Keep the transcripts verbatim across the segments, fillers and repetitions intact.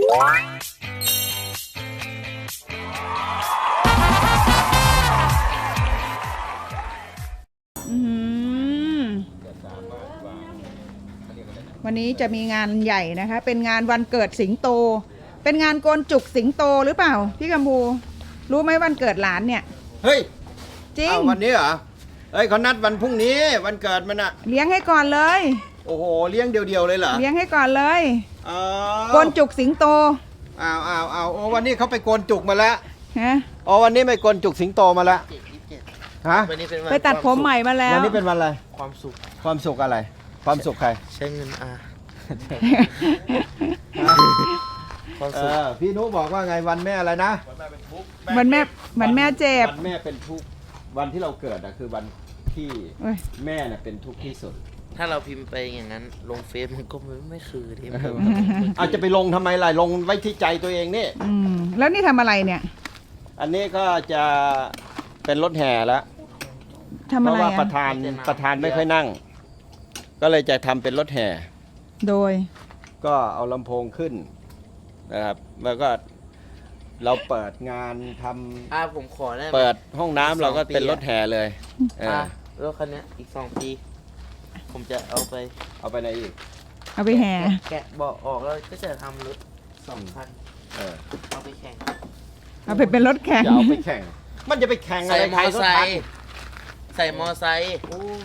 วันนี้จะมีงานใหญ่นะคะเป็นงานวันเกิดสิงโตเป็นงานโกนจุกสิงโตหรือเปล่าพี่กัมพูรู้ไหมวันเกิดหลานเนี่ยเฮ้ยจริงวันนี้เหรอเฮ้ยเขานัดวันพรุ่งนี้วันเกิดมันอะเลี้ยงให้ก่อนเลยโอ้โหเลี้ยงเดียวๆเลยเหรอเลี้ยงให้ก่อนเลยโกนจุกสิงโตอ้าวอ้าวอ้าวโอ้วันนี้เขาไปโกนจุกมาแล้วฮะอ๋อวันนี้ไปโกนจุกสิงโตมาแล้วฮะไปตัดผมใหม่มาแล้ววันนี้เป็นวันอะไรความสุขความสุขอะไรความสุขใครใช้เงินอาความสุขพี่นุบอกว่าไงวันแม่อะไรนะวันแม่วันแม่เจ็บวันแม่เป็นทุกวันที่เราเกิดอะคือวันที่แม่น่ะเป็นทุกข์ที่สุดถ้าเราพิมพ์ไปอย่างนั้นลงเฟซมันก็ไม่คือที่มันอาจจะไปลงทำไมล่ะลงไว้ที่ใจตัวเองนี่แล้วนี่ทำอะไรเนี่ยอันนี้ก็จะเป็นรถแห่แล้วเพราะว่าประธานประธานไม่ค่อยนั่งก็เลยจะทำเป็นรถแห่โดยก็เอาลำโพงขึ้นนะครับแล้วก็เราเปิดงานทำอ่าผมขอได้เปิดห้องน้ำเราก็เป็นรถแห่เลยอ่ารถคันนี้อีกสองปีผมจะเอาไปเอาไปไหนอีกเอาไปแห่แกะเบาะออกแล้วก็จะทำรถสองคันเออเอาไปแข่งเอาไปเป็นรถแข่งจะเอาไปแข่งมันจะไปแข่งอะไรใส่มอไซค์ใส่มอไซค์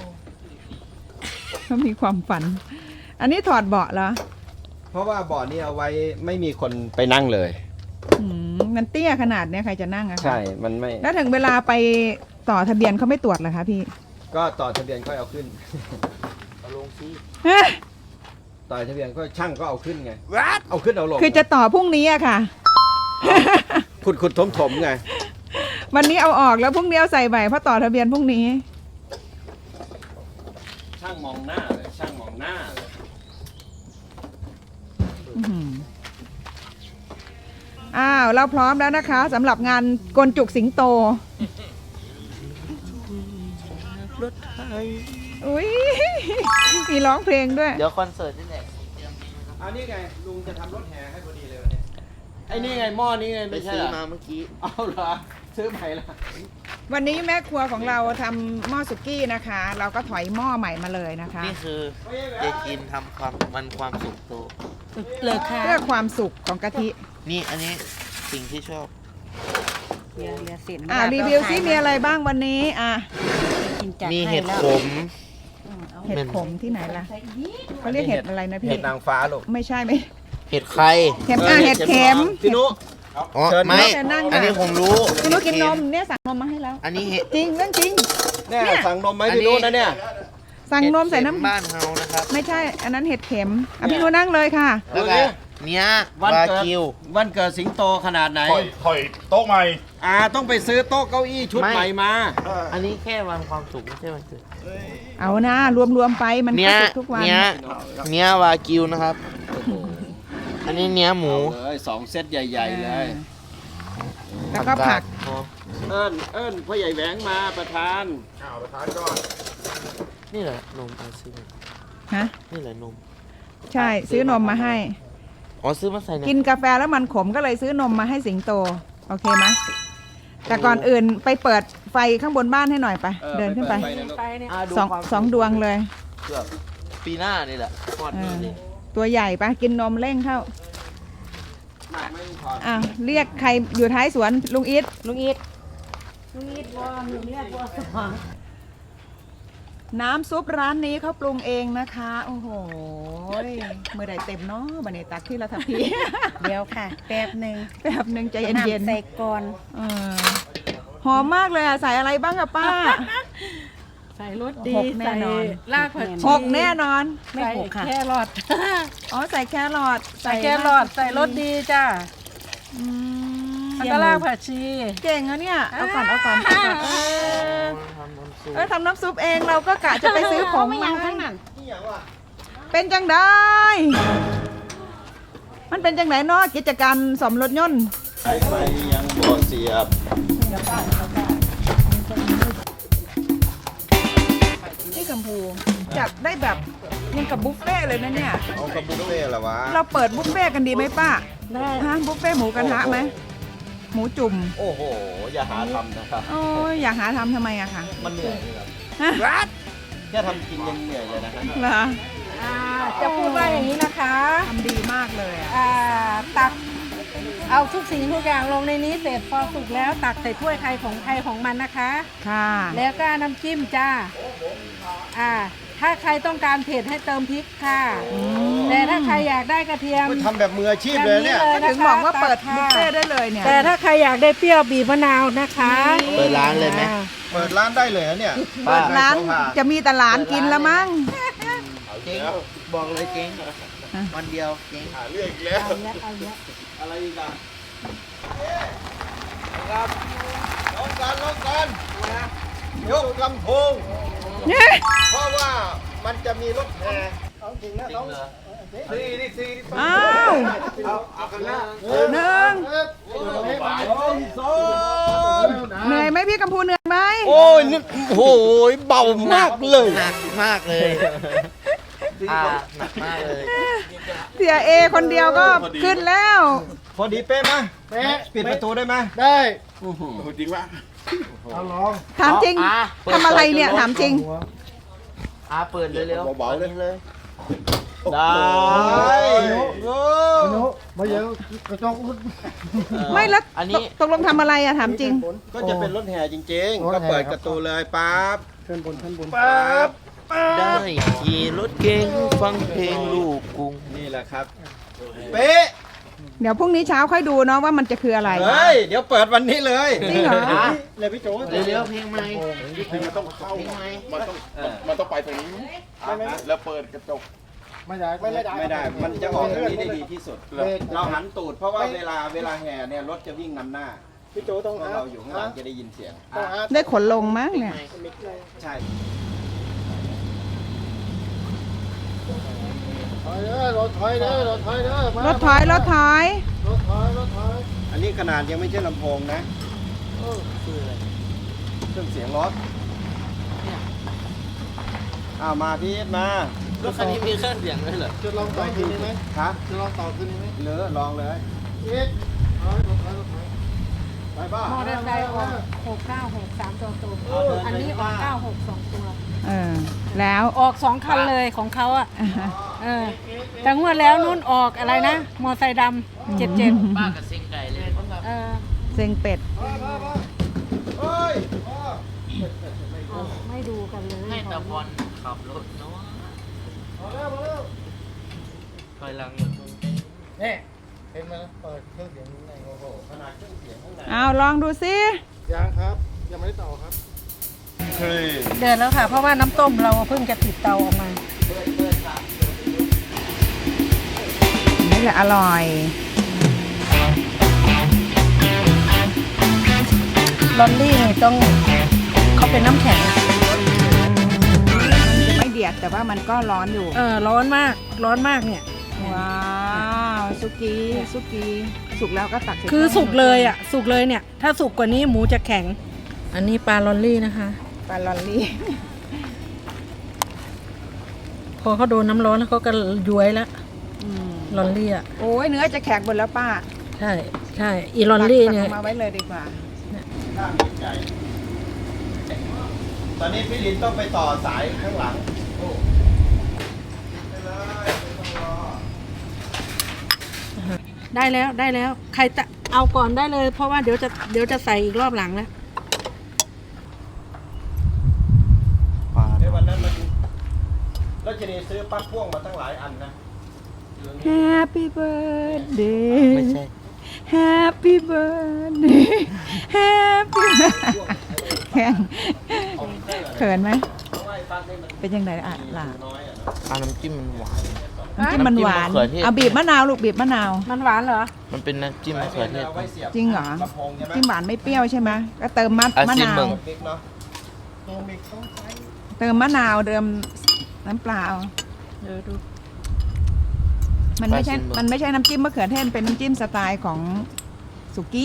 เขามีความฝันอันนี้ถอดเบาะเหรอเพราะว่าเบาะนี้เอาไว้ไม่มีคนไปนั่งเลยมันเตี้ยขนาดนี้ใครจะนั่งอะคะใช่มันไม่แล้วถึงเวลาไปต่อทะเบียนเขาไม่ตรวจเหรอคะพี่ก็ต่อทะเบียนค่อยเอาขึ้นเอาลงซิต่อทะเบียนก็ช่างก็เอาขึ้นไงเอาขึ้นเอาลงคือจะต่อพรุ่งนี้อะค่ะขุดขุดถมถมไงวันนี้เอาออกแล้วพรุ่งนี้เอาใส่ใหม่เพราะต่อทะเบียนพรุ่งนี้ช่างมองหน้าเลยช่างมองหน้าเลยอ้าวเราพร้อมแล้วนะคะสำหรับงานกลจุกสิงโตรถไทยอุ้ยมีร้องเพลงด้วยเดี๋ยวคอนเสิร์ตนี่แหละอันนี้ไงลุงจะทำรถแห่ให้พอดีเลยวันนี้ไอ้นี่ไงหม้อนี้ไงไม่ใช่ซื้อมาเมื่อกี้เอาเหรอซื้อใหม่ละวันนี้แม่ครัวของเราทำหม้อสุกี้นะคะเราก็ถอยหม้อใหม่มาเลยนะคะนี่คือเจกินทำความมันความสุขโตเลยค่ะเพื่อความสุขของกะทินี่อันนี้สิ่งที่ชอบอ่ารีวิวซิมีอะไรบ้างวันนี้อ่ะมีเห็ดขมเห็ดขมที่ไหนล่ะเขาเรียกเห็ดอะไรนะพี่เห็ดนางฟ้าลูกไม่ใช่ไหมเห็ดไข่เข็มอ่ะเห็ดเข็มพี่นุอ๋อไม่อันนี้ผมรู้พี่นุกินนมเนี่ยสั่งนมมาให้แล้วอันนี้เห็ดจริงเรื่องจริงเนี่ยสั่งนมไหมพี่นุนะเนี่ยสั่งนมใส่น้ำบ้านเฮานะครับไม่ใช่อันนั้นเห็ดเข็มอ่ะพี่นุนั่งเลยค่ะแล้วก็เนี้ยวันเกิดวันเกิดสิงโตขนาดไหนถอยโต๊ะใหม่อ่าต้องไปซื้อโต๊ะเก้าอี้ชุดใหม่มาอันนี้แค่วันความสุขไม่ใช่วันเกิดเอานะรวมๆไปมันก็สุขทุกวันเนี้ยเนี้ยวากิวนะครับอันนี้เนี้ยหมูเลยสองเซตใหญ่ๆเลยแล้วก็ผักเอิ้นเอิ้นพ่อใหญ่แหวงมาประธานอ้าวประธานก่อนนี่แหละนมซื้อฮะนี่แหละนมใช่ซื้อนมมาให้อ๋อซื้อมาใส่กินกาแฟแล้วมันขมก็เลยซื้อนมมาให้สิงโตโอเคไหมแต่ก่อนอื่นไปเปิดไฟข้างบนบ้านให้หน่อยไปเดินขึ้นไปสองสองดวงเลยเกือบปีหน้านี่แหละตัวใหญ่ปะกินนมเร่งเข้าอ่ะเรียกใครอยู่ท้ายสวนลุงอิทลุงอิทลุงอิทบัวลุงเรียกบัวสว่างน้ำซุปร้านนี้เขาปรุงเองนะคะโอ้โหเมื่อใดเต็มเนาะบันเนตักที่เราทำพีเดี๋ยวค่ะแป๊บหนึ่งแป๊บหนึ่งใจเย็นๆใส่ก่อนหอมมากเลยอ่ะใส่อะไรบ้างอะป้าใส่รสดีใส่รากผักชีหกแน่นอนไม่หกค่ะแครอทอ๋อใส่แครอทใส่แครอทใส่รสดีจ้าแล้วก็รากผักชีเก่งอะเนี่ยเอาก่อนเอาก่อนเออทำน้ำซุปเองเราก็กะจะไปซื้อของมาทั้งนั้นเป็นจังได้มันเป็นจังไหนเนาะกิจการสมรถยนต์ไฟยังบ่เสียบนี่กัมพูจัดได้แบบยังกับบุฟเฟ่เลยนะเนี่ยเอากับบุฟเฟ่เหรอวะเราเปิดบุฟเฟ่กันดีไหมป้าได้ฮะบุฟเฟ่ต์หมูกระทะไหมหมูจุ่มโอ้โห อย่าหาทำนะครับโอ้ยอยากหาทำทำไมอะคะมันเหนื่อยครับฮะแค่ทำกินยังเหนื่อยเลยนะครับเหรออ่าจะพูดว่าอย่างนี้นะคะทำดีมากเลยอะอ่าตักเอาทุกสิ่งทุกอย่างลงในนี้เสร็จพอสุกแล้วตักใส่ถ้วยใครของใครของมันนะคะค่ะแล้วก็น้ำจิ้มจ้าอ่าถ้าใครต้องการเผ็ดให้เติมพริกค่ะแต่ถ้าใครอยากได้กระเทียมทำแบบมืออาชีพเลยเนี่ยแบบถึงบอกว่าเปิดบุฟเฟ่ต์ได้เลยเนี่ยแต่ถ้าใครอยากได้เปรี้ยวบีบมะนาวนะคะเปิดร้านเลยไหมอ่าเปิดร้านได้เลยเหรอเนี่ยเปิดร้านจะมีแต่หลานกินละมั้งเจ๊งบอกเลยเจ๊งวันเดียวเจ๊งหาเรื่องอีกแล้วเอาละเอาละอะไรอีกอ่ะครับลองกันลองกันยกลำโพง เพราะว่ามันจะมีรถแห่เอาจริงนะต้องสี่นี่สี่นี่อ้าวเอาเอากันนะหนึ่งสองสองเหนื่อยไหมพี่กัมพูเหนื่อยไหมโอ้ยนี่โอ้โหเบามากเลยหนักมากเลยอ่าหนักมากเลยเสียเอคนเดียวก็ขึ้นแล้วพอดีเป๊ะไหมเป๊ะปิดประตูได้ไหมได้จริงปะถามจริงอ่ะทำอะไรเนี่ยถามจริงอ่าเปิดเร็วๆเบาๆเลยเลยได้โอ้มาเยอะกระจกไม่แล้วอันนี้ตกลงทำอะไรอะถามจริงก็จะเป็นรถแห่จริงๆ ก็เปิดประตูเลยปั๊บขึ้นบนขึ้นบนปั๊บได้ขี่รถเก๋งฟังเพลงลูกกรุงนี่แหละครับ เป๊ะเดี๋ยวพรุ่งนี้เช้าค่อยดูเนาะว่ามันจะคืออะไรเฮ้ย เดี๋ยวเปิดวันนี้เลยจริงเหรอเลยพี่โจ้เร็วๆเพลงใหม่มันต้องเข้าเพลงใหม่มันต้องมันต้องไปตรงนี้แล้วเปิดกระจกไม่ได้ ไม่ได้ มันจะออกทางนี้ได้ดีที่สุด เราหันตูดเพราะว่าเวลาเวลาแห่เนี่ยรถจะวิ่งนำหน้า พี่โจต้องเราอยู่ข้างหลังจะได้ยินเสียงได้ขนลงมั้งเนี่ยใช่รถถอยรถถอยอันนี้ขนาดยังไม่ใช่ลำโพงนะคืออะไรเครื่องเสียงรถอ้าวมาพี่มารถคันนี้มีเครื่องเสียงด้วยเหรอจะลองต่อคืนไหมครับจะลองต่อคืนไหมเลือลองเลยเอ็ดไปบ้ามอเตอร์ไซค์ออกหกเก้าหกสามตัวตัวอันนี้ออกเก้าหกสองตัวเออ แล้วออกสองคันเลยของเขาอ่ะเออแต่งวดแล้วนุ่นออกอะไรนะ มอไซค์ดำเจ็ดเจ็ดป้ากับซิงไก่เลยเออเซ็งเป็ดเฮ้ยไม่ดูกันเลยให้ตะบอลขับรถเนาะคอยลังนี่เห็นไหมเปิดเครื่องเสียงข้างในโอ้โหขนาดเครื่องเสียงข้างในเอาลองดูซิยังครับยังไม่ได้ต่อครับเฮ้ยเดินแล้วค่ะ เพราะว่าน้ำต้มเราเพิ่งจะติดเตาออกมานี่แหละอร่อยลอนลี่นี่ต้องเขาเป็นน้ำแข็งมันจะไม่เดือดแต่ว่ามันก็ร้อนอยู่เออร้อนมากร้อนมากเนี่ยว้าวสุกี้สุกี้สุกแล้วก็ตักใส่คือสุกเลยอ่ะ สุกเลยเนี่ย ถ้าสุกกว่านี้หมูจะแข็ง อันนี้ปลาลอนลี่นะคะปลาลอนลี่พอเขาโดนน้ำร้อนแล้วเขาก็ย้วยแล้วอืมลอนลี่อ่ะโอ้ยเนื้อจะแข็งหมดแล้วป้าใช่ใช่อีลอนลี่เนี่ยตักออกมาไว้เลยดีกว่าข้างใหญ่ตอนนี้พี่ลินต้องไปต่อสายข้างหลังโอ้ไปเลยไม่ต้องรอได้แล้วได้แล้ว ใครจะเอาก่อนได้เลย เพราะว่าเดี๋ยวจะเดี๋ยวจะใส่อีกรอบหลังแล้วในวันนั้นมันเราจะได้ซื้อปลั๊กพ่วงมาตั้งหลายอันนะ Happy birthday ไม่ใช่ Happy birthday Happy แข็งเขินไหมเพราะว่าไอ้ปลั๊กนี่มันเป็นยังไงอ่ะล่ะน้อยอ่ะอ่าน้ำจิ้มมันหวานน้ำจิ้มมันหวานน้ำจิ้มมะเขือเทศเอาบีบมะนาวลูกบีบมะนาวมันหวานเหรอมันเป็นน้ำจิ้มมะเขือเทศาไว้สียบจริงเหรอลำโพงใช่ไหมจิ้มหวานไม่เปรี้ยวใช่ไหมก็เติมมะอ่ะมะซิมนาเบิ่วงมิกเนาะตัวมิกต้องใช้เติมมะนาวเติมน้ำเปล่าเดี๋ยวดูมันไม่ใช่มันไม่ใช่น้ำจิ้มมะเขือเทศเป็นน้ำจิ้มสไตล์ของสุกี้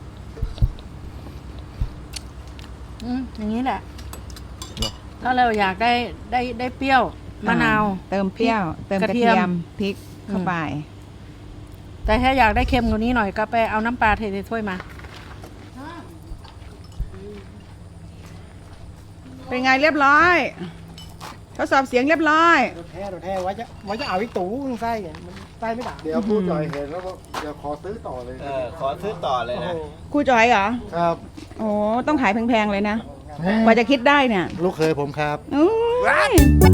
อืมอย่างนี้แหละถ้าเราอยากได้ได้ได้เปรี้ยวมะนาวเติมเปรี้ยว เติมกระกระเทีเทียมยมพริกเข้าไปแต่ถ้าอยากได้เค็มกว่านี้หน่อยก็ไปเอาน้ำปลาเทในถ้วยมาเป็นไงเรียบร้อยทดสอบเสียงเรียบร้อยรถแท้รถแท้ไว้จะไว้จะเอาอีกตู้ไส้ไงมันไส้ไม่ด่าเดี๋ยวผู้จ่อยเห็นแล้วก็เดี๋ยวขอซื้อต่อเลยเออขอซื้อต่อเลยนะครูจอยเหรอครับโอ้ต้องขายแพงๆเลยนะ กว่าจะคิดได้เนี่ยลูกเคยผมครับอู้ย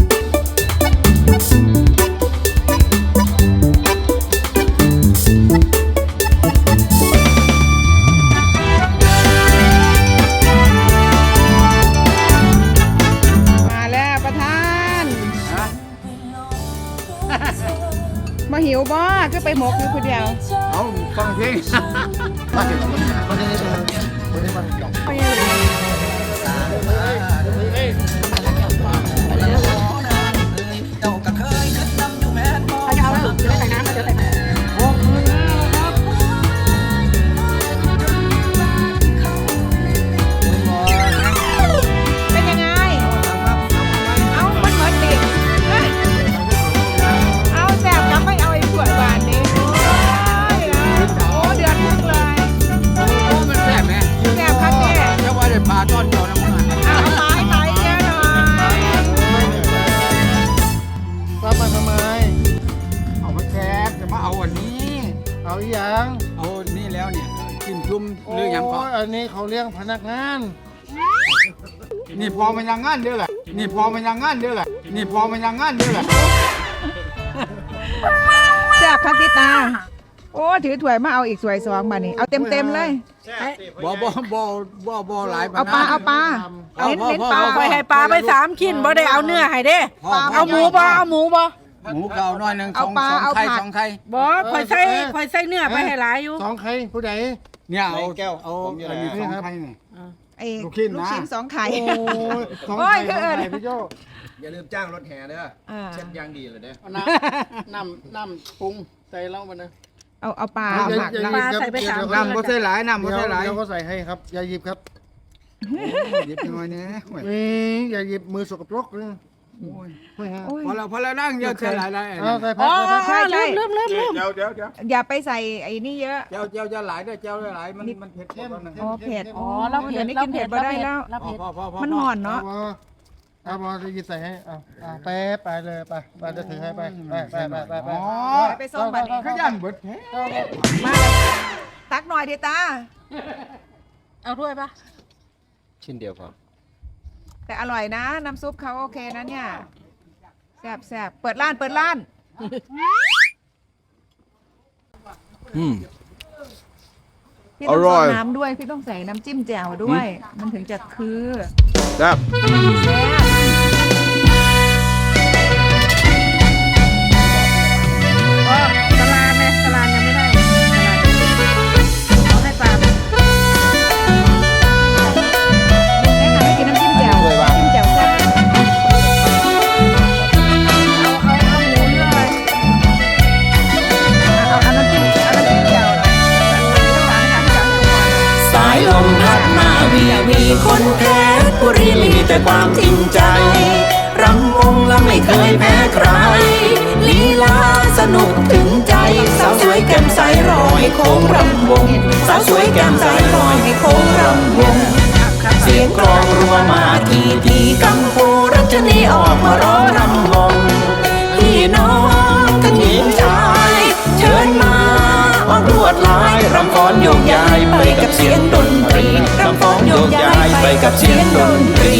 มาแล้วประธานมาหิวบ่ก็ไปหมกอยู่คนเดียวเอาฟังเพลงมาเก็บมาได้เลยมาได้มาหยอกเขาจะเอาแล้วจะได้ใส่น้ำจะใส่น้ำเป็นยังไง เอามันเหมือนติดเอาแสบกับไม่เอาไอ้ขวดบานนี้โอ้ยโอ้เดือดพุ่งเลยโอ้มันแซ่บไหมแสบครับแม่จะว่าได้ปลาตอนเดียวนะมึงอ่ะเอาไม้ไม้เยอะหน่อยป้ามาทำไมเอามาแซ่บจะมาเอาวันนี้เอาอีหยังเอานี่แล้วเนี่ยกินจุ่มหรือยังก่อนโอันนี้เขาเลี้ยงพนักงานนี่พอมันยังงั้นเด้อแหละนี่พอมันยังงั้นเด้อแหละนี่พอมันยังงั้นเด้อแหละแสบครับพี่ตา โอ้ถือถ้วยมาเอาอีกสวยสองมานี่เอาเต็มเต็มๆเลยบ่บ่บ่บ่บ่หลายเอาปลาเอาปลาเน้นเน้นปลาไปให้ปลาไปสามชิ้นบ่ได้เอาเนื้อให้เด้ เอาหมูบ่เอาหมูบ่หมูเก่าน้อยหนึ่งสเอาองปลาสองเอาไข่ผักสองไข่บ่คอยใส่คอยใส่เนื้อไปให้หลายอยู่สองใครผู้ใดเนี่ยเอาแก้วเอาผมอยู่อันไหนนี้สองไข่นี่ไอ้ลูกชิ้นนะลูกชิ้นสองไข่โอ้ยสองโอ้ใคยรคือสองเอิญใครพี่โจ้อย่าลืมจ้างรถแห่เด้ออ่าเช็ดยางดีเลยเด้อน้ำน้ำน้ำปรุงใส่เหล้ามันนะเอาเอาปลาอย่าเอาผักอย่นะหยิบครับปลาใส่ไปสามเดี๋ยวน้ำบ่ใส่หลายน้ำบ่เดี๋ยวใส่หลายเดี๋ยวเขาใส่ให้ครับ อย่าหยิบครับหยิบยังไงเนี่ยโอ้ยนี่อย่าหยิบมือสกปรกเลยโอ้ยไม่ฮะโอ้ยพอแล้วพอแล้วนั่งเยอะใส่หลายหลายเอาใส่อ๋ผัอกใส่ผักใช่ลืมลืมลืมลืมเดี๋ยวเดี๋ยวเดี๋ยวอย่าไปใส่ไอ้นี่เยอะเจ้าเจ้าจะหลายด้วยเจ้าหลายมันมันเผ็ดหมดแล้วนะอ๋อเผ็ดอ๋อเราเผ็เดี๋ยดวนี้เรากินเผ็เผ็ดดบ่ได้แล้วเราพอเผ็ดพอพอพอมันห่อนเอาเนาะบอเอาบอจะหยิบใส่ให้เอาเอาไปไปเลยไปไปจะถือให้ไปไปไปไปไปไปอ๋อไปส่งบัดนี้ขยันเบิดแท้มาตักหน่อยดิตาเอาถ้วยปะชิ้นเดียวพอแต่อร่อยนะ น้ำซุปเขาโอเคนะเนี่ยแซ่บแซ่บเปิดร้านเปิดร้านอืมพี่ต้องอร่ใส่อยน้ำด้วย พี่ต้องใส่น้ำจิ้มแจ่วด้วย มันถึงจะคือแซ่บแซ่บอ๋อสลานเนี่ยสลานยังไม่ได้สลานเอาให้ปลาลุงแนะนำให้กินน้ำจิ้มแจ่วจิ้มแจ่วแซ่บเอาเอาเอาหมูเนื้อเลยเอาเอาน้ำจิ้มเอาน้ำจิ้มแจ่วหน่อยต้องการนะคะที่จะให้ดูก่อนสายลมพัดมาวีวีคนเพชรบุรีมีแต่ความจริงใจ รำวงและไม่เคยแพ้ใคร ลีลาสนุกถึงใจ สาวสวยแก้มใสรอยโค้งรำวง สาวสวยแก้มใสรอยให้โค้งรำวง เสียงกลองรัวมาทีทีกัมพูรัชนีออกมาร้องรำวง พี่น้องทั้งหญิงชาย เชิญมาออกลวดลายรำฟ้อนโยกย้ายไปกับเสียงดนตรีรำฟ้อนโยกย้ายไปกับเสียงดนตรี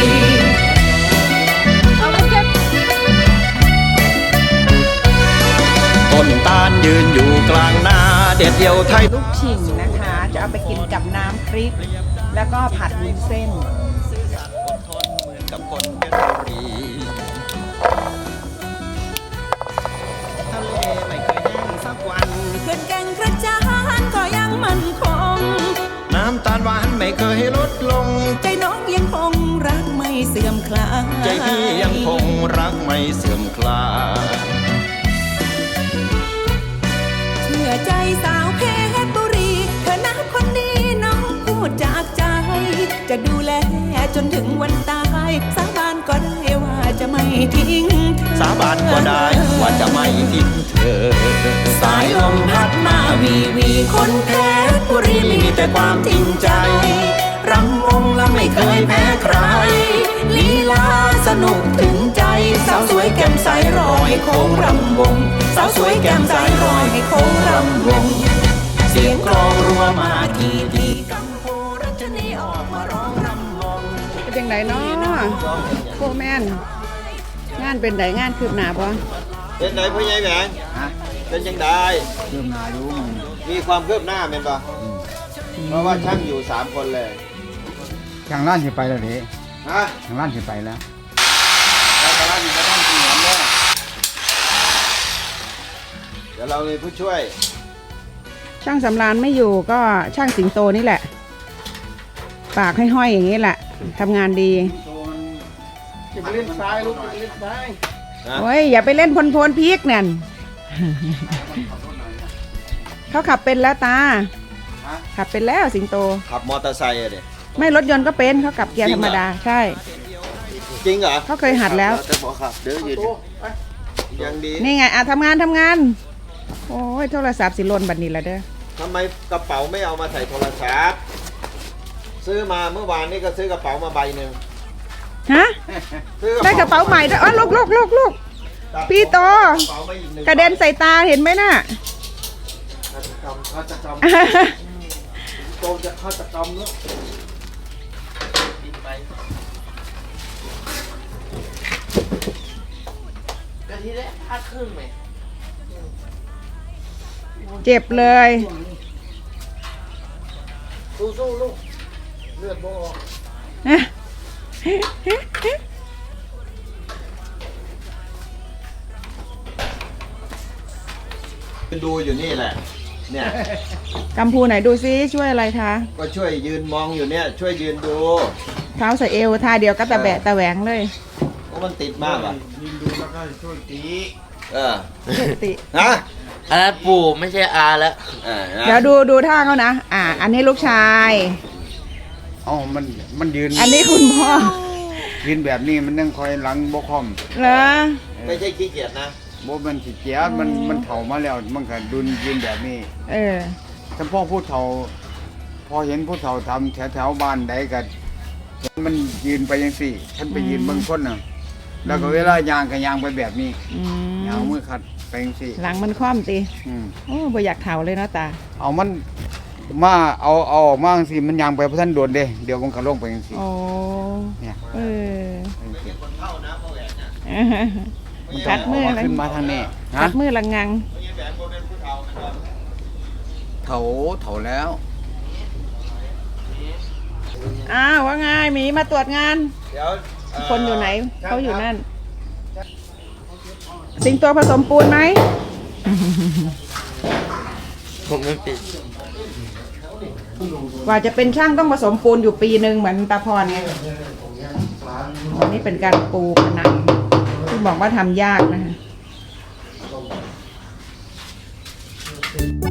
ต้นตาลยืนอยู่กลางนาเด็ดเดียวไทยลูกชิงนะคะ จะเอาไปกินกับน้ำพริก แล้วก็ผัดวุ้นเส้นกับคนเพชรบุรีทะเลไม่เคยแห้งสักวันขึ้นแก่งกระจานก็ยังมั่นคงน้ำตาลหวานไม่เคยลดลงใจน้องยังคงรักไม่เสื่อมคลายใจพี่ยังคงรักไม่เสื่อมคลายเชื่อใจสาวเพชรบุรีเธอนะคนนี้น้องพูดจากใจ จะดูแลจนถึงวันตายสาบานก็ได้ว่าจะไม่ทิ้งเธอสาบานก็ได้ว่าจะไม่ทิ้งเธอสายลมพัดมาวีวีคนเพชรบุรีมีแต่ความจริงใจรำวงและไม่เคยแพ้ใครลีลาสนุกถึงใจสาวสวยแก้มใสรอยโค้งรำวงสาวสวยแก้มใสรอยให้โค้งรำวงเสียงกลองรัวมาทีทีกัมพูรัชนีออกมาร้องรำวงเป็นยังไงเนาะโคแมนงานเป็นไดงานคืบหน้าปะเป็นไหนพ่อใหญ่แหวงฮะเป็นยังไงเริ่มนาอยู่มันมีความคืบหน้าเป็นปะเพราะว่าช่างอยู่สามคนเลยทางร้านสิไปแล้วเด้ฮะทางร้านสิไปแล้วเราจะรับอยู่ไม่ต้องกินหอมด้วยเดี๋ยวเรามีผู้ช่วยช่างสำรานไม่อยู่ก็ช่างสิงโตนี่แหละ ปากให้ห้อยอย่างนี้แหละทำงานดีจะไปเล่นซ้ายลูกจะไปเล่นซ้ายนะโอ้ยอย่าไปเล่นพลพลพีกนั่น เขาขับเป็นแล้วตา ขับเป็นแล้วสิงโตขับมอเตอร์ไซค์อะเด็กไม่รถยนต์ก็เป็นเขาขับเกียร์ธรรมดาใช่จริงเหรอเขาเคยหัดแล้วจะบอกขับเดี๋ยวยืนยังดีนี่ไงอ่ะทำงานทำงาน โอ้ยโทรศัพท์สิหล่นบัดนี้ละเด้อทำไมกระเป๋าไม่เอามาใส่โทรศัพท์ซื้อมาเมื่อวานนี่ก็ซื้อกระเป๋ามาใบหนึ่งฮะซื้อได้กระเป๋าใหม่ด้วยอ๋อลูกลูกลูกลูก พี่โตกระเป๋ามาอีกหนึ่งกระเด็นใส่ตาเห็นไหมน่ะฆาตกรรมฆาตกรรมโตจะฆาตกรรมแล้วกะทิได้พลาดครึ่งไหมเจ็บเลยสู้ๆลูกเลือดบ่ออกดูอยู่นี่แหละ เนี่ยกัมพูไหนดูซิช่วยอะไรคะก็ช่วยยืนมองอยู่เนี่ย ช่วยยืนดูเท้าใส่เอวท่าเดียวก็ตะแบะตะแหวงเลยโอ้มันติดมากอ่ะยืนดูแล้วก็ช่วยตีเออติฮะอันนั้นปู่ไม่ใช่อาแล้วอ่านะเดี๋ยวดูดูท่าเขานะ อ่า อันนี้ลูกชายอ๋อมันมันยืนอันนี้คุณพ่อยืนแบบนี้มันนั่งคอยหลังบ่คอมเหรอไม่ใช่ขี้เกียจนะบ่มันสิเกียจมันมันเฒ่ามาแล้วมันก็ดุนยืนแบบนี้เออถ้าพ่อผู้เฒ่า พอเห็นผู้เฒ่าทำแถวแถวๆบ้านใดก็เห็นมันยืนไปยังสี่ฉันไปยืนเบางคนน่ะ แล้วก็เวลายางก็ยางไปแบบนี้อืมยางมือขัดไปยังสี่หลังมันคว่ำตีอืมโอ้บ่อยากเถาเลยเนาะตาเอามันมาเอาเอาออกมาจังสิมันยางไปเพราะท่านโดนเด้เดี๋ยวมันก็ลงไปยังสี่โอ้เนี่ยเออไปจังซี้คนเท่านะพ่อแหวนนะมันกัดมือเาอะไรขึ้นมาทางนี้กัฮะดมือละงังพ่อแหวนโมเป็นผู้เท่ามันก็เฒ่าเฒ่าแล้วอ้าวว่าไงหมีมาตรวจงานเดี๋ยวเคนอยู่ไหน เขาอยู่นั่น สิงโตผสมปูนไหมผมไม่ปิดกว่าจะเป็นช่างต้องผสมปูนอยู่ปีหนึ่งเหมือนตาพรไงอันนี้เป็นการปูผนังที่บอกว่าทำยากนะคะ